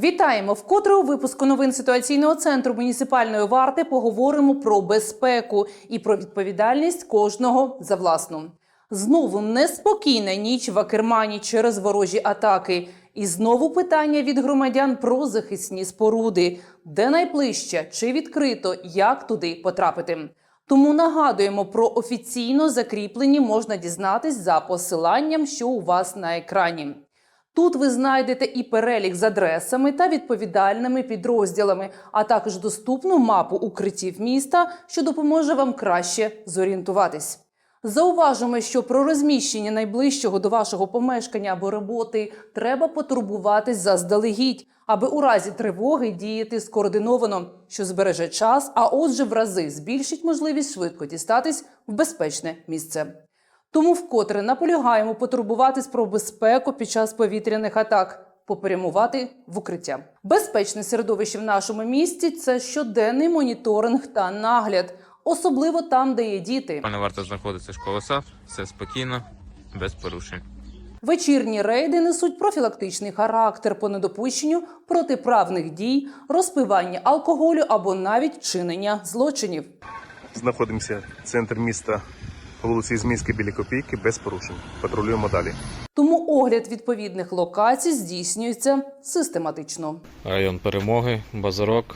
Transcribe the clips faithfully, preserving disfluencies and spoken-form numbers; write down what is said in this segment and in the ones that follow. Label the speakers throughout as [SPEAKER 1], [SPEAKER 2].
[SPEAKER 1] Вітаємо! Вкотре у випуску новин ситуаційного центру муніципальної варти поговоримо про безпеку і про відповідальність кожного за власну. Знову неспокійна ніч в Акермані через ворожі атаки. І знову питання від громадян про захисні споруди. Де найближче, чи відкрито, як туди потрапити. Тому нагадуємо, про офіційно закріплені можна дізнатись за посиланням, що у вас на екрані. Тут ви знайдете і перелік з адресами та відповідальними підрозділами, а також доступну мапу укриттів міста, що допоможе вам краще зорієнтуватись. Зауважимо, що про розміщення найближчого до вашого помешкання або роботи треба потурбуватись заздалегідь, аби у разі тривоги діяти скоординовано, що збереже час, а отже в рази збільшить можливість швидко дістатись в безпечне місце. Тому вкотре наполягаємо потурбуватись про безпеку під час повітряних атак, попрямувати в укриття. Безпечне середовище в нашому місті – це щоденний моніторинг та нагляд, особливо там, де є діти.
[SPEAKER 2] Не варто знаходитися школа САФ, все спокійно, без порушень.
[SPEAKER 1] Вечірні рейди несуть профілактичний характер по недопущенню протиправних дій, розпивання алкоголю або навіть чинення злочинів.
[SPEAKER 3] Знаходимося в центрі міста, по вулиці Ізмінській біля Копійки, без порушень. Патрулюємо далі.
[SPEAKER 1] Тому огляд відповідних локацій здійснюється систематично.
[SPEAKER 4] Район Перемоги, Базарок.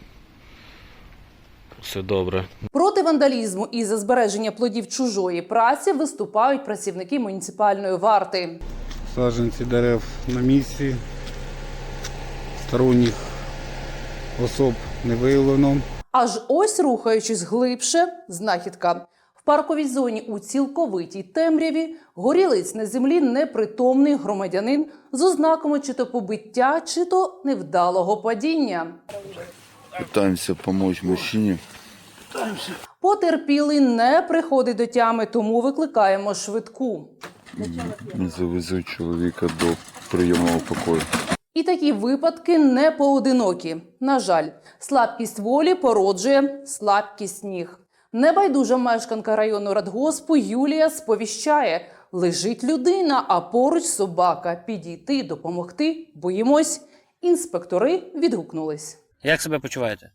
[SPEAKER 4] Все добре.
[SPEAKER 1] Проти вандалізму і за збереження плодів чужої праці виступають працівники муніципальної варти.
[SPEAKER 5] Саджанці дерев на місці, сторонніх особ не виявлено.
[SPEAKER 1] Аж ось, рухаючись глибше, знахідка. В парковій зоні у цілковитій темряві горілиць на землі непритомний громадянин з ознаками чи то побиття, чи то невдалого падіння.
[SPEAKER 6] Пытаемся помочь мужчине.
[SPEAKER 1] Потерпілий не приходить до тями, тому викликаємо швидку.
[SPEAKER 6] Завезуть чоловіка до прийомного покою.
[SPEAKER 1] І такі випадки не поодинокі. На жаль, слабкість волі породжує слабкість ніг. Небайдужа мешканка району Радгоспу Юлія сповіщає – лежить людина, а поруч собака. Підійти, допомогти – боїмось. Інспектори відгукнулись.
[SPEAKER 7] Як себе почуваєте?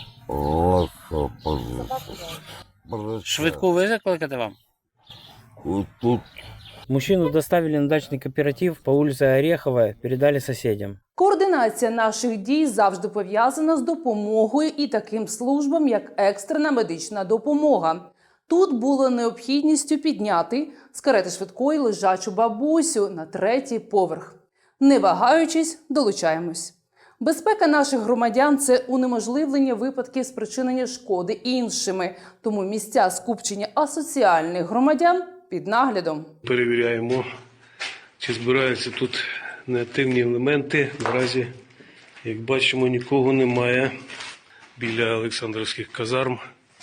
[SPEAKER 7] Швидку ви закликати вам?
[SPEAKER 6] Тут
[SPEAKER 7] Мужчину доставили на дачный кооператив по улице Ореховая, передали соседям.
[SPEAKER 1] Координація наших дій завжди пов'язана з допомогою і таким службам, як екстрена медична допомога. Тут було необхідністю підняти з карети швидкої лежачу бабусю на третій поверх. Не вагаючись, долучаємось. Безпека наших громадян – це унеможливлення випадків спричинення шкоди іншими. Тому місця скупчення асоціальних громадян під наглядом.
[SPEAKER 8] Перевіряємо, чи збираються тут неактивні елементи. Наразі, як бачимо, нікого немає біля Олександрівських казарм.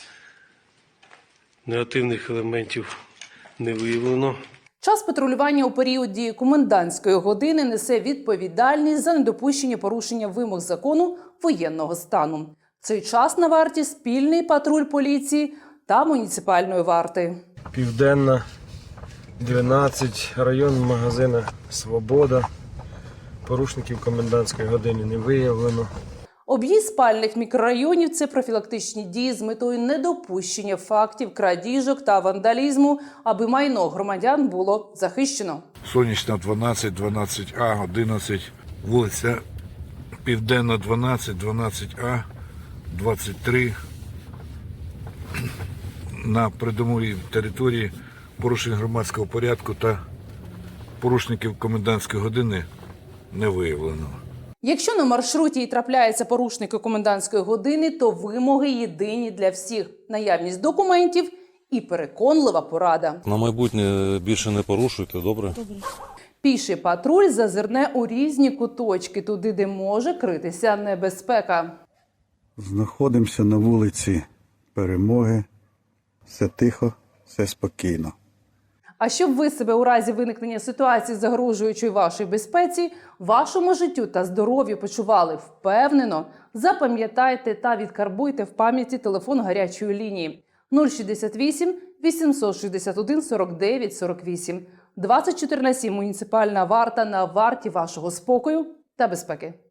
[SPEAKER 8] Неактивних елементів не виявлено.
[SPEAKER 1] Час патрулювання у період дії комендантської години несе відповідальність за недопущення порушення вимог закону воєнного стану. В цей час на варті спільний патруль поліції та муніципальної варти.
[SPEAKER 9] Південна, дванадцять, район магазина «Свобода». Порушників комендантської години не виявлено.
[SPEAKER 1] Об'їзд спальних мікрорайонів – це профілактичні дії з метою недопущення фактів крадіжок та вандалізму, аби майно громадян було захищено.
[SPEAKER 10] Сонячна дванадцять, дванадцять А, одинадцять, вулиця Південна дванадцять, дванадцять А, двадцять три. На придомовій території порушень громадського порядку та порушників комендантської години не виявлено.
[SPEAKER 1] Якщо на маршруті і трапляються порушники комендантської години, то вимоги єдині для всіх – наявність документів і переконлива порада.
[SPEAKER 11] На майбутнє більше не порушуйте, добре? Добре.
[SPEAKER 1] Піший патруль зазирне у різні куточки, туди, де може критися небезпека.
[SPEAKER 5] Знаходимося на вулиці Перемоги. Все тихо, все спокійно.
[SPEAKER 1] А щоб ви себе у разі виникнення ситуації, загрожуючої вашій безпеці, вашому життю та здоров'ю почували впевнено, запам'ятайте та відкарбуйте в пам'яті телефон гарячої лінії нуль шістдесят вісім, вісімсот шістдесят один, сорок дев'ять, сорок вісім. двадцять чотири на сім муніципальна варта на варті вашого спокою та безпеки.